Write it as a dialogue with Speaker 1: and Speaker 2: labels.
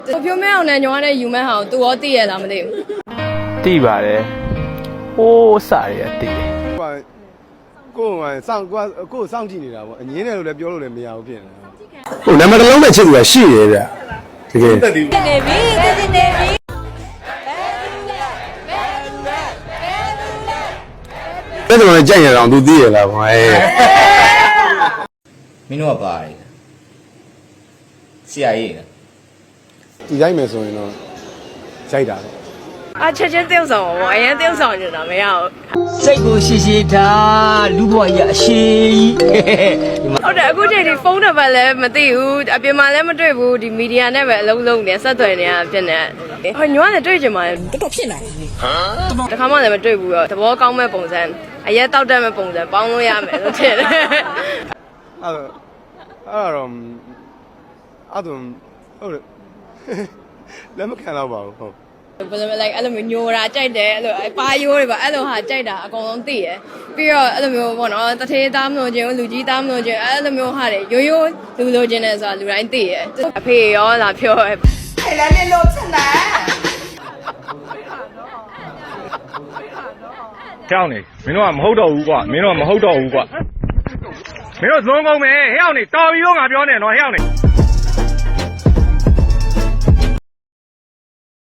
Speaker 1: ပြောမဲအောင်နဲ့ညောင်းနဲ့ယူမဲဟောင်းသူရောသိရလားမသိဘူး
Speaker 2: သိပါတယ်ဟိုးစရသိတယ်
Speaker 3: ကိုယ်စောင့်ကြည့်နေတာပေါ့အငင်းတယ်လို့လည်းပြောလို့လည်းမရဘူးဖြစ်နေ
Speaker 4: ဟိုနံပါတ်တစ်လုံးနဲ့ချစ်သူကရှိတယ်ဗျတကယ်
Speaker 1: နေပြီ
Speaker 4: ဘယ်တော့မှကြိုက်ရအောင်သူသိရလားဗျ
Speaker 5: မင်းတို့ကပါတယ်ဆရာကြီး
Speaker 3: ဒီတိုင်းမယ်ဆိုရင်တော့ကြိုက်တာတော့
Speaker 1: ချက်ချင်းတယောက်ဆောင်ပါအရင်တယောက်ဆောင်နေတာမရဘူး
Speaker 5: စိတ်ကိုရှိထားလူဘဝကြီးအရှိကြီး
Speaker 1: ဟုတ်တယ်အခုချိန်ဒီဖုန်းနံပါတ်လည်းမသိဘူးအပြင်မှာလည်းမတွေ့ဘူးဒီမီဒီယာနဲ့ပဲအလုံးလုံးနေဆက်သွယ်နေတာဖြစ်နေဟိုညောင်းလည်းတွေ့ကြမှာတော်တော်ဖြစ်နေတခါမှလည်းမတွေ့ဘူးတော့သဘောကောင်းမဲ့ပုံစံအရက်တောက်တတ်မဲ့ပုံစံပေါင်းလို့ရမယ်လို့ထင်တယ်
Speaker 3: အဲ့တော့ဟုတ်တယ်လက်မခံတော့ပါဘူးဟုတ်
Speaker 1: ဘယ်လိုလဲ like အဲ့လိုမျိုးညိုတာကြိုက်တယ်အဲ့လိုပါရိုးတွေပါအဲ့လိုဟာကြိုက်တာအကုန်လုံးသိရပြီးတော့အဲ့လိုမျိုးပေါ့နော်တထေးသားမလို့ခြင်းလူကြီးသားမလို့ခြင်းအဲ့လိုမျိုးဟာတွေရိုးရိုးလူလိုခြင်းနဲ့ဆိုတာလူတိုင်းသိရအဖေရောလာပြော
Speaker 6: အဲ့လည်းနေလို့ချက်နေ
Speaker 2: ကြောက်နေမင်းတို့ကမဟုတ်တော့ဘူးကွာမင်းတို့ကမဟုတ်တော့ဘူးကွာမင်းတို့သုံးကုန်မယ်ဟဲ့အောင်နေတော်ပြီရောငါပြောနေတော့ဟဲ့အောင်နေ